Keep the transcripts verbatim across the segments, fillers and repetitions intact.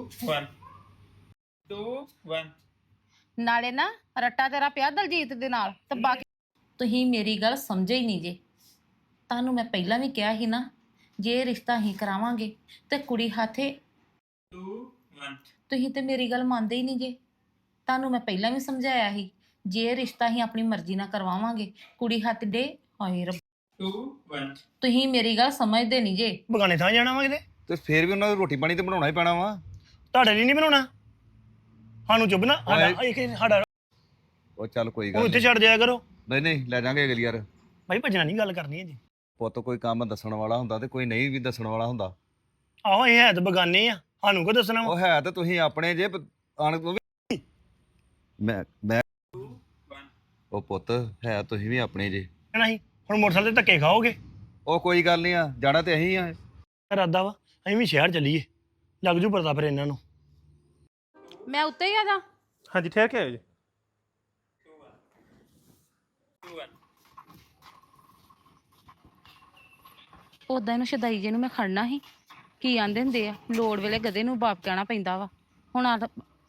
one two one ਨਾਲੇ ਨਾ ਰੱਟਾ ਤੇਰਾ ਪਿਆ ਦਲਜੀਤ ਦੇ ਨਾਲ ਤੇ ਬਾਕੀ ਤੁਸੀਂ ਮੇਰੀ ਗੱਲ ਸਮਝੇ ਹੀ ਨਹੀਂ ਜੇ। ਤੁਹਾਨੂੰ ਮੈਂ ਪਹਿਲਾਂ ਵੀ ਕਿਹਾ ਸੀ ਨਾ, ਜੇ ਇਹ ਰਿਸ਼ਤਾ ਹੀ ਕਰਾਵਾਂਗੇ ਤੇ ਕੁੜੀ ਹਾਥੇ two one ਤੁਸੀਂ ਤੇ ਮੇਰੀ ਗੱਲ ਮੰਨਦੇ ਹੀ ਨਹੀਂ ਜੇ। ਤੁਹਾਨੂੰ ਮੈਂ ਪਹਿਲਾਂ ਵੀ ਸਮਝਾਇਆ ਸੀ, ਜੇ ਇਹ ਰਿਸ਼ਤਾ ਹੀ ਆਪਣੀ ਮਰਜ਼ੀ ਨਾਲ ਕਰਵਾਵਾਂਗੇ ਕੁੜੀ ਹੱਥ ਦੇ ਹਾਏ ਰੱਬ two one ਤੁਸੀਂ ਮੇਰੀ ਗੱਲ ਸਮਝਦੇ ਨਹੀਂ ਜੇ। ਬਗਾਨੇ ਥਾਂ ਜਾਣਾ ਵਾ ਕਿਤੇ ਤੇ ਫੇਰ ਵੀ ਉਹਨਾਂ ਨੂੰ ਰੋਟੀ ਪਾਣੀ ਤੇ ਬਣਾਉਣਾ ਹੀ ਪੈਣਾ ਵਾ। ਤੁਹਾਡੇ ਲਈ ਨਹੀਂ ਬਣਾਉਣਾ, ਸਾਨੂੰ ਚੁੱਭਣਾ ਸਾਡਾ ਇੱਕ ਸਾਡਾ ਉਹ ਚੱਲ ਕੋਈ ਉਹ ਗੱਲ ਇੱਥੇ ਨਹੀਂ ਛੱਡ ਦਿਆ ਕਰੋ। ਨਹੀਂ ਨਹੀਂ ਲੈ ਜਾਾਂਗੇ ਅਗਲੀ ਵਾਰ। ਭਾਈ ਭੱਜਣਾ ਨਹੀਂ ਗੱਲ ਕਰਨੀ ਹੈ ਜੀ। ਪੁੱਤ ਕੋਈ ਕੰਮ ਦੱਸਣ ਵਾਲਾ ਹੁੰਦਾ ਤੇ ਕੋਈ ਨਹੀਂ ਵੀ ਦੱਸਣ ਵਾਲਾ ਹੁੰਦਾ। ਆਹੋ ਇਹ ਹੈ ਤਾਂ ਬਗਾਨੇ ਆ, ਸਾਨੂੰ ਕੋ ਦੱਸਣਾ ਵਾ। ਉਹ ਹੈ ਤੇ ਤੁਸੀਂ ਆਪਣੇ ਜੇ ਪ- ਆਣ ਉਹ ਵੀ ਮੈਂ ਮੈਂ ਉਹ ਪੁੱਤ ਹੈ ਤੁਸੀਂ ਵੀ ਆਪਣੇ ਜੇ। ਕਹਿਣਾ ਸੀ ਹੁਣ ਮੋਟਰਸਾਈਕਲ ਤੇ ਧੱਕੇ ਖਾਓਗੇ। ਉਹ ਕੋਈ ਗੱਲ ਨਹੀਂ ਆ, ਜਾਣਾ ਤੇ ਅਸੀਂ ਆ। ਇਰਾਦਾ ਵਾ ਅਸੀਂ ਵੀ ਸ਼ਹਿਰ ਚੱਲੀਏ, ਲੱਗ ਜੂ ਪਤਾ ਫਿਰ ਇਹਨਾਂ ਨੂੰ। ਮੈਂ ਉੱਤੇ ਹੀ ਆ ਜਾ। ਹਾਂਜੀ ਠਹਿਰ ਕੇ ਆਇਓ ਜੀ। ਉਦਾਂ ਇਹਨੂੰ ਸ਼ਦਾਈ ਜੇ ਨੂੰ ਮੈਂ ਖੜਨਾ ਸੀ। ਕੀ ਆਂਦੇ ਹੁੰਦੇ ਆ, ਲੋੜ ਵੇਲੇ ਗਧੇ ਨੂੰ ਬਾਪ ਕਹਿਣਾ ਪੈਂਦਾ ਵਾ। ਹੁਣ ਆ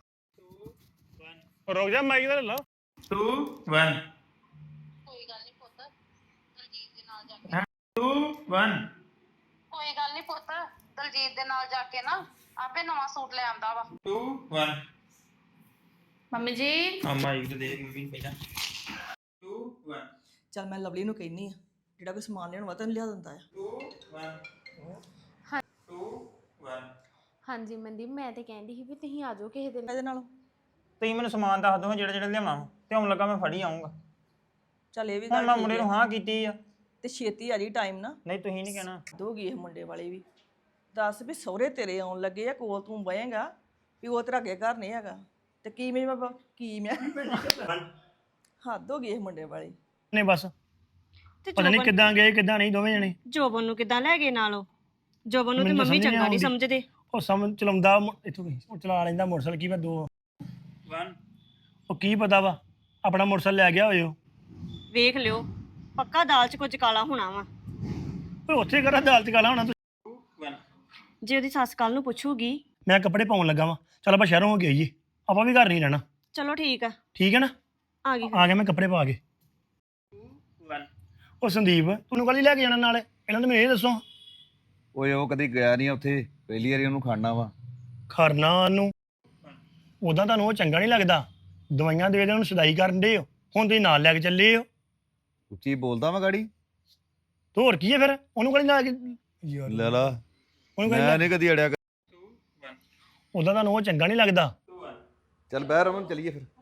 ਰੁਕ ਜਾ ਮਾਈਕ ਦਾ ਲੈ ਲਾ। two one ਕੋਈ ਗੱਲ ਨਹੀਂ ਪੁੱਤ, ਦਲਜੀਤ ਦੇ ਨਾਲ ਜਾ ਕੇ two one ਕੋਈ ਗੱਲ ਨਹੀਂ ਪੁੱਤ, ਦਲਜੀਤ ਦੇ ਨਾਲ ਜਾ ਕੇ ਨਾ ਆਪੇ ਨਵਾਂ ਸੂਟ ਲੈ ਆਂਦਾ ਵਾ। two one ਮੰਮੀ ਜੀ ਆ ਮਾਈਕ ਤੇ ਦੇਖ ਮੰਮੀ ਪਹਿਲਾਂ two one ਚੱਲ ਮੈਂ ਲਵਲੀ ਨੂੰ ਕਹਿੰਨੀ ਆ, ਜਿਹੜਾ ਕੋਈ ਸਮਾਨ ਲੈਣ ਵਾ ਤੈਨੂੰ ਲਿਆ ਦਿੰਦਾ ਆ। two one two one ਹਾਂਜੀ ਮਨਦੀਪ, ਮੈਂ ਤੇ ਕਹਿੰਦੀ ਸੀ ਵੀ ਤੁਸੀਂ ਆ ਜਾਓ ਕਿਸੇ ਦਿਨ। ਇਹਦੇ ਨਾਲੋਂ ਤੁਸੀਂ ਮੈਨੂੰ ਸਮਾਨ ਦੱਸ ਦਿਓ ਜਿਹੜਾ ਜਿਹੜਾ ਲਿਆਉਣਾ ਵਾ ਤੇ ਹੁਣ ਲੱਗਾ ਮੈਂ ਫੜੀ ਆਉਂਗਾ। ਚੱਲ ਇਹ ਵੀ ਹੁਣ ਗੱਲ ਮੈਂ ਠੀਕ ਮੁੰਡੇ ਆ। ਨੂੰ ਹਾਂ ਕੀਤੀ ਆ। ਤੇ ਛੇਤੀ ਆ ਜੀ ਟਾਈਮ ਨਾ ਨਹੀਂ ਤੁਸੀਂ ਨਹੀਂ ਕਹਿਣਾ। ਦੋਗੀ ਇਹ ਮੁੰਡੇ ਵਾਲੇ ਵੀ। ਦੱਸ ਵੀ ਸਹੁਰੇ ਤੇਰੇ ਆਉਣ ਲੱਗੇ ਆ, ਕੋਲ ਤੂੰ ਬਹੇਗਾ ਵੀ ਉਹ ਤੇਰਾ ਅੱਗੇ ਘਰ ਨਹੀਂ ਹੈਗਾ ਤੇ ਕੀ ਮੈਂ ਬਾਬਾ ਕੀ ਮੈਂ ਹੱਦ ਹੋ ਗਈ ਇਹ ਮੁੰਡੇ ਵਾਲੀ। ਨੇ ਬਸ ਤੇ ਪਤਾ ਨਹੀਂ ਕਿੱਦਾਂ ਗਏ ਕਿੱਦਾਂ ਨਹੀਂ ਦੋਵੇਂ ਜਣੇ। ਜੋਬਨ ਨੂੰ ਕਿਦਾਂ ਲੈ ਗਏ ਨਾਲੋਂ? ਜੋਬਨ ਨੂੰ ਤੇ ਮੈਨੂੰ ਮੰਮੀ ਸਮਝ ਨਹੀਂ ਚੰਗਾ ਨਹੀਂ ਆਉਂਦੀ। ਸਮਝਦੇ। ਉਹ ਸਮਝ ਚਲਾਉਂਦਾ ਮ- ਇੱਥੋਂ ਕੀ ਉਹ ਚਲਾ ਲੈਂਦਾ ਮੋਟਰਸਾਈਕਲ। ਕੀ ਮੈਂ ਦੋ one ਉਹ ਕੀ ਪਤਾ ਵਾ ਆਪਣਾ ਮੋਟਰਸਾਈਕਲ ਲੈ ਗਿਆ ਹੋਇਓ। ਵੇਖ ਲਿਓ, ਪੱਕਾ ਦਾਲ 'ਚ ਕੁਝ ਕਾਲਾ ਹੋਣਾ ਵਾ। ਓਏ ਉੱਥੇ ਕਰਾ ਅਦਾਲਤ ਕਾਲਾ ਹੋਣਾ ਤੂੰ। two one ਜੇ ਉਹਦੀ ਸੱਸ ਕੱਲ ਨੂੰ ਪੁੱਛੂਗੀ। ਮੈਂ ਕੱਪੜੇ ਪਾਉਣ ਲੱਗਾ ਵਾਂ, ਚੱਲ ਆਪਾਂ ਸ਼ਹਿਰੋਂ ਹੋ ਕੇ ਆਈਏ, ਆਪਾਂ ਵੀ ਘਰ ਨਹੀਂ ਰਹਿਣਾ। ਚਲੋ ਠੀਕ ਆ, ਠੀਕ ਹੈ ਨਾ? ਆ ਗਈ। ਆ ਗਿਆ ਮੈਂ ਕੱਪੜੇ ਪਾ ਕੇ। one ਉਹ ਸੰਦੀਪ ਤੈਨੂੰ ਕੱਲ ਹੀ ਲੈ ਕੇ ਜਾਣਾ ਨਾਲ? ਇਹਨਾਂ ਨੂੰ ਮੈਨੂੰ ਇਹ ਦੱਸੋ। ਓਏ ਉਹ ਕਦੀ ਗਿਆ ਨਹੀਂ ਉੱਥੇ, ਪਹਿਲੀ ਵਾਰੀ ਉਹਨੂੰ ਖਾਣਾ ਵਾ। ਖਰਨਾ ਨੂੰ ਉਦਾਂ ਤੁਹਾਨੂੰ ਉਹ ਚੰਗਾ ਨਹੀਂ ਲੱਗਦਾ, ਦਵਾਈਆਂ ਦੇ ਦੇ ਉਹਨੂੰ ਸਦਾਈ ਕਰਨ ਦੇ ਹੋ, ਹੁਣ ਤੁਸੀਂ ਨਾਲ ਲੈ ਕੇ ਚੱਲੇ ਹੋ। ਉੱਚੀ ਬੋਲਦਾ ਵਾ ਗਾੜੀ। ਤੇ ਹੋਰ ਕੀ ਹੈ ਫਿਰ, ਉਹਨੂੰ ਕੱਲ ਲੈ ਕੇ ਯਾਰ ਲੈ ਲਾ, ਉਹਨੂੰ ਮੈਂ ਕੱਲ ਨਹੀਂ ਕਦੀ ਅੜਿਆ। two one ਉਦਾਂ ਤੁਹਾਨੂੰ ਉਹ ਚੰਗਾ ਨਹੀਂ ਲੱਗਦਾ। two one ਚੱਲ ਬਹਿ ਰਮਨ ਚੱਲੀਏ ਫਿਰ।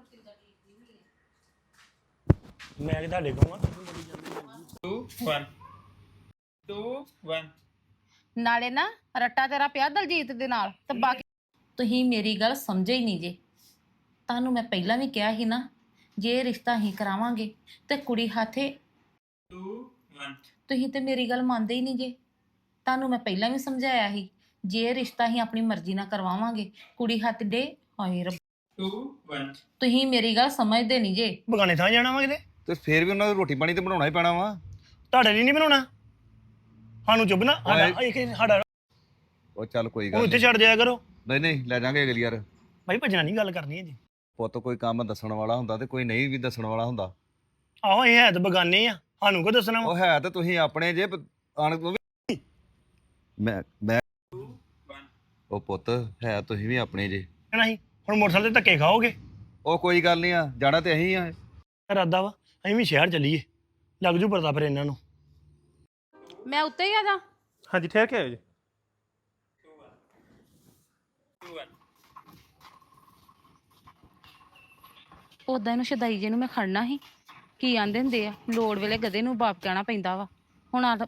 ਮੈਂ ਕਿ ਤੁਹਾਡੇ ਕੋਲ ਆ two one two one ਨਾਲੇ ਨਾ ਰੱਟਾ ਤੇਰਾ ਪਿਆ ਦਲਜੀਤ ਦੇ ਨਾਲ ਤੇ ਬਾਕੀ ਤੁਸੀਂ ਮੇਰੀ ਗੱਲ ਸਮਝੇ ਹੀ ਨਹੀਂ ਜੇ। ਤੁਹਾਨੂੰ ਮੈਂ ਪਹਿਲਾਂ ਵੀ ਕਿਹਾ ਸੀ ਨਾ, ਜੇ ਇਹ ਰਿਸ਼ਤਾ ਹੀ ਕਰਾਵਾਂਗੇ ਤੇ ਕੁੜੀ ਹਾਥੇ two one ਤੁਸੀਂ ਤੇ ਮੇਰੀ ਗੱਲ ਮੰਨਦੇ ਹੀ ਨਹੀਂ ਜੇ। ਤੁਹਾਨੂੰ ਮੈਂ ਪਹਿਲਾਂ ਵੀ ਸਮਝਾਇਆ ਸੀ, ਜੇ ਇਹ ਰਿਸ਼ਤਾ ਹੀ ਆਪਣੀ ਮਰਜ਼ੀ ਨਾਲ ਕਰਵਾਵਾਂਗੇ ਕੁੜੀ ਹੱਥ ਦੇ ਹਾਏ ਰੱਬ two one ਤੁਸੀਂ ਮੇਰੀ ਗੱਲ ਸਮਝਦੇ ਨਹੀਂ ਜੇ। ਬਗਾਨੇ ਥਾਂ ਜਾਣਾ ਵਾ ਕਿਤੇ? ਤੇ ਫੇਰ ਵੀ ਉਹਨਾਂ ਨੂੰ ਰੋਟੀ ਪਾਣੀ ਤੇ ਬਣਾਉਣਾ ਹੀ ਪੈਣਾ ਵਾ। ਤੁਹਾਡੇ ਲਈ ਨਹੀਂ ਬਣਾਉਣਾ, ਸਾਨੂੰ ਚੁੱਭਣਾ ਸਾਡਾ ਇੱਕ ਸਾਡਾ ਉਹ ਚੱਲ ਕੋਈ ਉਹ ਗੱਲ ਇੱਥੇ ਨਹੀਂ ਛੱਡ ਦਿਆ ਕਰੋ। ਨਹੀਂ ਨਹੀਂ ਲੈ ਜਾਾਂਗੇ ਅਗਲੀ ਵਾਰ। ਭਾਈ ਭੱਜਣਾ ਨਹੀਂ ਗੱਲ ਕਰਨੀ ਹੈ ਜੀ। ਪੁੱਤ ਕੋਈ ਕੰਮ ਦੱਸਣ ਵਾਲਾ ਹੁੰਦਾ ਤੇ ਕੋਈ ਨਹੀਂ ਵੀ ਦੱਸਣ ਵਾਲਾ ਹੁੰਦਾ। ਆਹੋ ਇਹ ਹੈ ਤਾਂ ਬਗਾਨੇ ਆ, ਸਾਨੂੰ ਕੋ ਦੱਸਣਾ ਵਾ। ਉਹ ਹੈ ਤੇ ਤੁਸੀਂ ਆਪਣੇ ਜੇ ਪ- ਆਣ ਉਹ ਵੀ ਮੈਂ ਮੈਂ ਉਹ ਪੁੱਤ ਹੈ ਤੁਸੀਂ ਵੀ ਆਪਣੇ ਜੇ। ਕਹਿਣਾ ਸੀ ਹੁਣ ਮੋਟਰਸਾਈਕਲ ਤੇ ਧੱਕੇ ਖਾਓਗੇ। ਉਹ ਕੋਈ ਗੱਲ ਨਹੀਂ ਆ, ਜਾਣਾ ਤੇ ਅਸੀਂ ਆ। ਇਰਾਦਾ ਵਾ ਅਸੀਂ ਵੀ ਸ਼ਹਿਰ ਚੱਲੀਏ, ਲੱਗ ਜੂ ਪਤਾ ਫਿਰ ਇਹਨਾਂ ਨੂੰ। ਮੈਂ ਉੱਤੇ ਹੀ ਆ ਜਾ। ਹਾਂਜੀ ਠਹਿਰ ਕੇ ਆਇਓ ਜੀ। two one ਉਦਾਂ ਇਹਨੂੰ ਸ਼ਦਾਈ ਜੇ ਨੂੰ ਮੈਂ ਖੜਨਾ ਸੀ। ਕੀ ਆਂਦੇ ਹੁੰਦੇ ਆ, ਲੋੜ ਵੇਲੇ ਗਧੇ ਨੂੰ ਬਾਪ ਕਹਿਣਾ ਪੈਂਦਾ ਵਾ। ਹੁਣ ਆ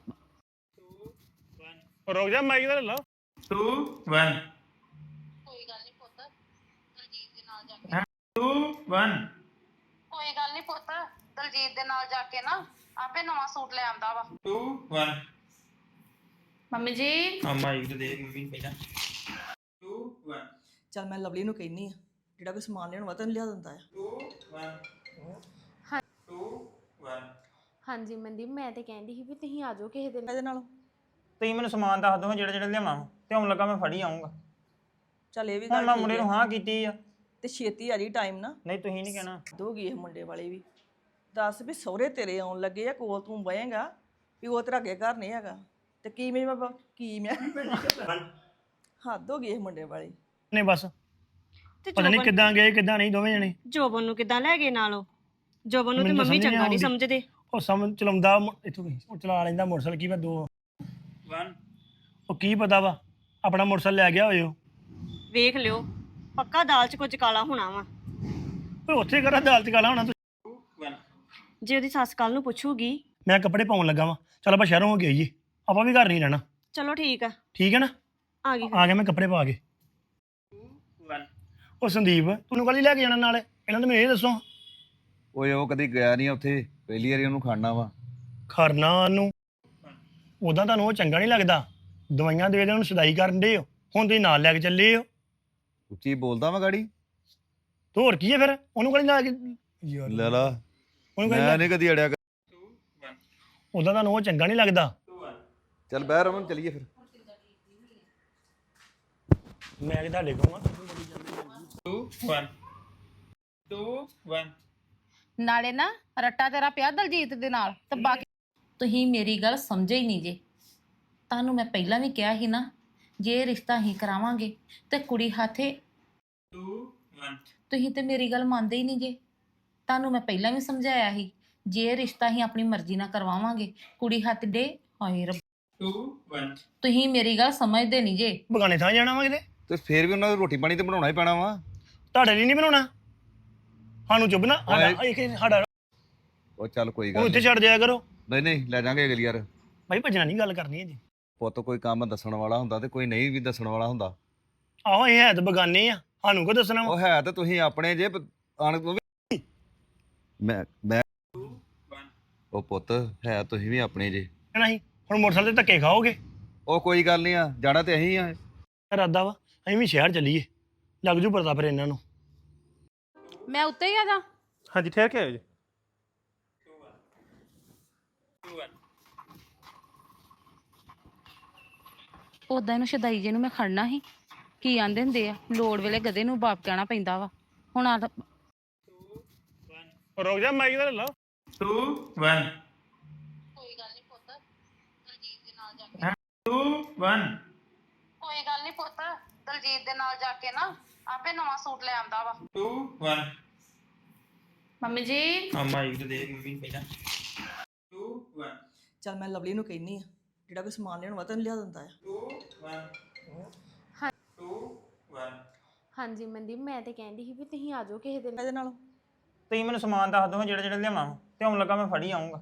ਰੁਕ ਜਾ ਮਾਈਕ ਦਾ ਲੈ ਲਾ। two one ਕੋਈ ਗੱਲ ਨਹੀਂ ਪੁੱਤ, ਦਲਜੀਤ ਦੇ ਨਾਲ ਜਾ ਕੇ two one ਕੋਈ ਗੱਲ ਨਹੀਂ ਪੁੱਤ, ਦਲਜੀਤ ਦੇ ਨਾਲ ਜਾ ਕੇ ਨਾ ਆਪੇ ਨਵਾਂ ਸੂਟ ਲੈ ਆਂਦਾ ਵਾ। two one ਮੰਮੀ ਜੀ ਆ ਮਾਈਕ ਤੇ ਦੇਖ ਮੰਮੀ ਪਹਿਲਾਂ two one ਚੱਲ ਮੈਂ ਲਵਲੀ ਨੂੰ ਕਹਿੰਨੀ ਆ, ਜਿਹੜਾ ਕੋਈ ਸਮਾਨ ਲੈਣ ਵਾ ਤੈਨੂੰ ਲਿਆ ਦਿੰਦਾ ਆ। two one two one ਹਾਂਜੀ ਮਨਦੀਪ, ਮੈਂ ਤੇ ਕਹਿੰਦੀ ਸੀ ਵੀ ਤੁਸੀਂ ਆ ਜਾਓ ਕਿਸੇ ਦਿਨ। ਇਹਦੇ ਨਾਲੋਂ ਤੁਸੀਂ ਮੈਨੂੰ ਸਮਾਨ ਦੱਸ ਦਿਓ ਜਿਹੜਾ ਜਿਹੜਾ ਲਿਆਉਣਾ ਵਾ ਤੇ ਹੁਣ ਲੱਗਾ ਮੈਂ ਫੜੀ ਆਉਂਗਾ। ਚੱਲ ਇਹ ਵੀ ਹੁਣ ਗੱਲ ਮੈਂ ਠੀਕ ਮੁੰਡੇ ਹੈ ਨੂੰ ਹਾਂ ਕੀਤੀ ਆ ਤੇ ਛੇਤੀ ਆ ਜੀ ਟਾਈਮ ਨਾ ਨਹੀਂ ਤੁਸੀਂ ਨਹੀਂ ਕਹਿਣਾ ਦੋਗੀ ਇਹ ਮੁੰਡੇ ਵਾਲੇ ਵੀ ਦੱਸ ਵੀ ਸਹੁਰੇ ਤੇਰੇ ਆਉਣ ਲੱਗੇ ਆ ਕੋਲ ਤੂੰ ਬਹੇਗਾ ਵੀ ਉਹ ਤੇਰਾ ਅੱਗੇ ਘਰ ਨਹੀਂ ਹੈਗਾ ਤੇ ਕੀ ਮੈਂ ਬਾਬਾ ਕੀ ਮੈਂ ਹੱਦ ਹੋ ਗਈ ਇਹ ਮੁੰਡੇ ਵਾਲੀ ਨੇ ਬਸ ਤੇ ਪਤਾ ਨਹੀਂ ਜੋਬਨ ਕਿੱਦਾਂ ਗਏ ਕਿੱਦਾਂ ਨਹੀਂ ਦੋਵੇਂ ਜਣੇ ਜੋਬਨ ਨੂੰ ਕਿਦਾਂ ਲੈ ਗਏ ਨਾਲੋਂ ਜੋਬਨ ਨੂੰ ਤੇ ਮੈਨੂੰ ਤਾਂ ਮੰਮੀ ਸਮਝ ਨਹੀਂ ਚੰਗਾ ਨਹੀਂ ਆਉਂਦੀ। ਸਮਝਦੇ ਉਹ ਸਮਝ ਚਲਾਉਂਦਾ ਮ- ਇੱਥੋਂ ਗਈ ਉਹ ਚਲਾ ਲੈਂਦਾ ਮੋਟਰਸਾਈਕਲ ਕੀ ਮੈਂ ਦੋ one ਉਹ ਕੀ ਪਤਾ ਵਾ ਆਪਣਾ ਮੋਟਰਸਾਈਕਲ ਲੈ ਗਿਆ ਹੋਇਓ ਵੇਖ ਲਿਓ ਪੱਕਾ ਦਾਲ 'ਚ ਕੁਝ ਕਾਲਾ ਹੋਣਾ ਵਾ ਓਏ ਉੱਥੇ ਕਰਾ ਅਦਾਲਤ ਕਾਲਾ ਹੋਣਾ ਤੂੰ two one ਜੇ ਉਹਦੀ ਸੱਸ ਕੱਲ ਨੂੰ ਪੁੱਛੂਗੀ ਮੈਂ ਕੱਪੜੇ ਪਾਉਣ ਲੱਗਾ ਵਾਂ ਚੱਲ ਆਪਾਂ ਸ਼ਹਿਰੋਂ ਹੋ ਕੇ ਆਈਏ ਆਪਾਂ ਵੀ ਘਰ ਨਹੀਂ ਰਹਿਣਾ ਚਲੋ ਠੀਕ ਆ ਠੀਕ ਹੈ ਨਾ ਆ ਗਈ ਆ ਗਿਆ ਮੈਂ ਕੱਪੜੇ ਪਾ ਕੇ one ਉਹ ਸੰਦੀਪ ਤੈਨੂੰ ਕੱਲ ਹੀ ਲੈ ਕੇ ਜਾਣਾ ਨਾਲੇ ਇਹਨਾਂ ਨੂੰ ਮੈਨੂੰ ਇਹ ਦੱਸੋ ਓਏ ਉਹ ਕਦੀ ਗਿਆ ਨਹੀਂ ਉੱਥੇ ਪਹਿਲੀ ਵਾਰੀ ਉਹਨੂੰ ਖਾਣਾ ਵਾ ਖਰਨਾ ਨੂੰ ਉਦਾਂ ਤੁਹਾਨੂੰ ਉਹ ਚੰਗਾ ਨਹੀਂ ਲੱਗਦਾ ਦਵਾਈਆਂ ਦੇ ਦੇ ਉਹਨੂੰ ਸਦਾਈ ਕਰਨ ਦੇ ਹੋ ਹੁਣ ਤੁਸੀਂ ਨਾਲ ਲੈ ਕੇ ਚੱਲੇ ਹੋ ਉੱਚੀ ਬੋਲਦਾ ਵਾ ਗਾੜੀ ਤੇ ਹੋਰ ਕੀ ਹੈ ਫਿਰ ਉਹਨੂੰ ਕੱਲ ਲੈ ਕੇ ਯਾਰ ਲੈ ਲਾ ਉਹਨੂੰ ਮੈਂ ਕੱਲ ਨਹੀਂ ਕਦੀ ਅੜਿਆ ਕਰ- two one ਉਦਾਂ ਤੁਹਾਨੂੰ ਉਹ ਚੰਗਾ ਨਹੀਂ ਲੱਗਦਾ two one ਚੱਲ ਬਹਿ ਰਮਨ ਚਲੀਏ ਫਿਰ ਮੈਂ ਕਿ ਤੁਹਾਡੇ ਕੋਲ ਆ two one two one ਨਾਲੇ ਨਾ ਰੱਟਾ ਤੇਰਾ ਪਿਆ ਦਲਜੀਤ ਦੇ ਨਾਲ ਤੇ ਬਾਕੀ ਤੁਸੀਂ ਮੇਰੀ ਗੱਲ ਸਮਝੇ ਹੀ ਨਹੀਂ ਜੇ ਤੁਹਾਨੂੰ ਮੈਂ ਪਹਿਲਾਂ ਵੀ ਕਿਹਾ ਸੀ ਨਾ ਜੇ ਇਹ ਰਿਸ਼ਤਾ ਹੀ ਕਰਾਵਾਂਗੇ ਤੇ ਕੁੜੀ ਹਾਥੇ two one ਤੁਸੀਂ ਤੇ ਮੇਰੀ ਗੱਲ ਮੰਨਦੇ ਹੀ ਨਹੀਂ ਜੇ ਤੁਹਾਨੂੰ ਮੈਂ ਪਹਿਲਾਂ ਵੀ ਸਮਝਾਇਆ ਸੀ ਜੇ ਇਹ ਰਿਸ਼ਤਾ ਹੀ ਆਪਣੀ ਮਰਜ਼ੀ ਨਾਲ ਕਰਵਾਵਾਂਗੇ ਕੁੜੀ ਹੱਥ ਦੇ ਹਾਏ ਰੱਬ two one ਤੁਸੀਂ ਮੇਰੀ ਗੱਲ ਸਮਝਦੇ ਨਹੀਂ ਜੇ ਬਗਾਨੇ ਥਾਂ ਜਾਣਾ ਵਾ ਕਿਤੇ ਤੇ ਫੇਰ ਵੀ ਉਹਨਾਂ ਨੂੰ ਰੋਟੀ ਪਾਣੀ ਤੇ ਬਣਾਉਣਾ ਹੀ ਪੈਣਾ ਵਾ ਤੁਹਾਡੇ ਲਈ ਨਹੀਂ ਬਣਾਉਣਾ ਸਾਨੂੰ ਚੁੱਭਣਾ ਸਾਡਾ ਇੱਕ ਸਾਡਾ ਉਹ ਚੱਲ ਕੋਈ ਉਹ ਗੱਲ ਇੱਥੇ ਨੀ। ਛੱਡ ਦਿਆ ਕਰੋ ਨਹੀਂ ਨਹੀਂ ਲੈ ਜਾਾਂਗੇ ਅਗਲੀ ਯਾਰ ਭਾਈ ਭੱਜਣਾ ਨਹੀਂ ਗੱਲ ਕਰਨੀ ਹੈ ਜੀ ਪੁੱਤ ਕੋਈ ਕੰਮ ਦੱਸਣ ਵਾਲਾ ਹੁੰਦਾ ਤੇ ਕੋਈ ਨਹੀਂ ਵੀ ਦੱਸਣ ਵਾਲਾ ਹੁੰਦਾ ਆਹੋ ਇਹ ਹੈ ਤਾਂ ਬਗਾਨੇ ਆ ਸਾਨੂੰ ਕੋ ਦੱਸਣਾ ਵਾ ਉਹ ਹੈ ਤੇ ਤੁਸੀਂ ਆਪਣੇ ਜੇ ਪ- ਆਣ ਤੋਂ ਵੀ ਮੈਂ ਮੈਂ one ਉਹ ਪੁੱਤ ਹੈ ਤੁਸੀਂ ਵੀ ਆਪਣੇ ਜੇ ਨਹੀਂ ਹੁਣ ਮੋਟਰਸਾਈਕਲ ਤੇ ਧੱਕੇ ਖਾਓਗੇ ਉਹ ਕੋਈ ਗੱਲ ਨਹੀਂ ਆ ਜਾਣਾ ਤੇ ਅਸੀਂ ਆ ਇਰਾਦਾ ਵਾ ਅਸੀਂ ਵੀ ਸ਼ਹਿਰ ਚੱਲੀਏ ਲੱਗ ਜੂ ਪਤਾ ਫਿਰ ਇਹਨਾਂ ਨੂੰ ਮੈਂ ਉੱਤੇ ਹੀ ਆ ਜਾ ਹਾਂਜੀ ਠਹਿਰ ਕੇ ਆਇਓ ਜੀ two one two one ਉਦਾਂ ਇਹਨੂੰ ਸ਼ਦਾਈ ਜੇ ਨੂੰ ਮੈਂ ਖੜਨਾ ਸੀ ਕੀ ਆਂਦੇ ਹੁੰਦੇ ਆ ਲੋੜ ਵੇਲੇ ਗਧੇ ਨੂੰ ਬਾਪ ਕਹਿਣਾ ਪੈਂਦਾ ਵਾ ਹੁਣ ਆ ਰੁਕ ਜਾ ਮਾਈਕ ਦਾ ਲੈ ਲਾ two one ਕੋਈ ਗੱਲ ਨਹੀਂ ਪੁੱਤ ਦਲਜੀਤ ਦੇ ਨਾਲ ਜਾ ਕੇ two one ਕੋਈ ਗੱਲ ਨਹੀਂ ਪੁੱਤ ਦਲਜੀਤ ਦੇ ਨਾਲ ਜਾ ਕੇ ਨਾ ਆਪੇ ਨਵਾਂ ਸੂਟ ਲੈ ਆਂਦਾ ਵਾ two one ਮੰਮੀ ਜੀ ਆ ਮਾਈਕ ਤੇ ਦੇਖ ਮੰਮੀ ਪਹਿਲਾਂ two one ਚੱਲ ਮੈਂ ਲਵਲੀ ਨੂੰ ਕਹਿੰਨੀ ਆ ਜਿਹੜਾ ਕੋਈ ਸਮਾਨ ਲੈਣ ਵਾ ਤੈਨੂੰ ਲਿਆ ਦਿੰਦਾ ਆ two one two one ਹਾਂਜੀ ਮਨਦੀਪ ਮੈਂ ਤੇ ਕਹਿੰਦੀ ਸੀ ਵੀ ਤੁਸੀਂ ਆ ਜਾਓ ਕਿਸੇ ਦਿਨ ਇਹਦੇ ਨਾਲ ਤੁਸੀਂ ਮੈਨੂੰ ਸਮਾਨ ਦੱਸ ਦਿਓ ਜਿਹੜਾ ਜਿਹੜਾ ਲਿਆਉਣਾ ਵਾ ਤੇ ਹੁਣ ਲੱਗਾ ਮੈਂ ਫੜੀ ਆਉਂਗਾ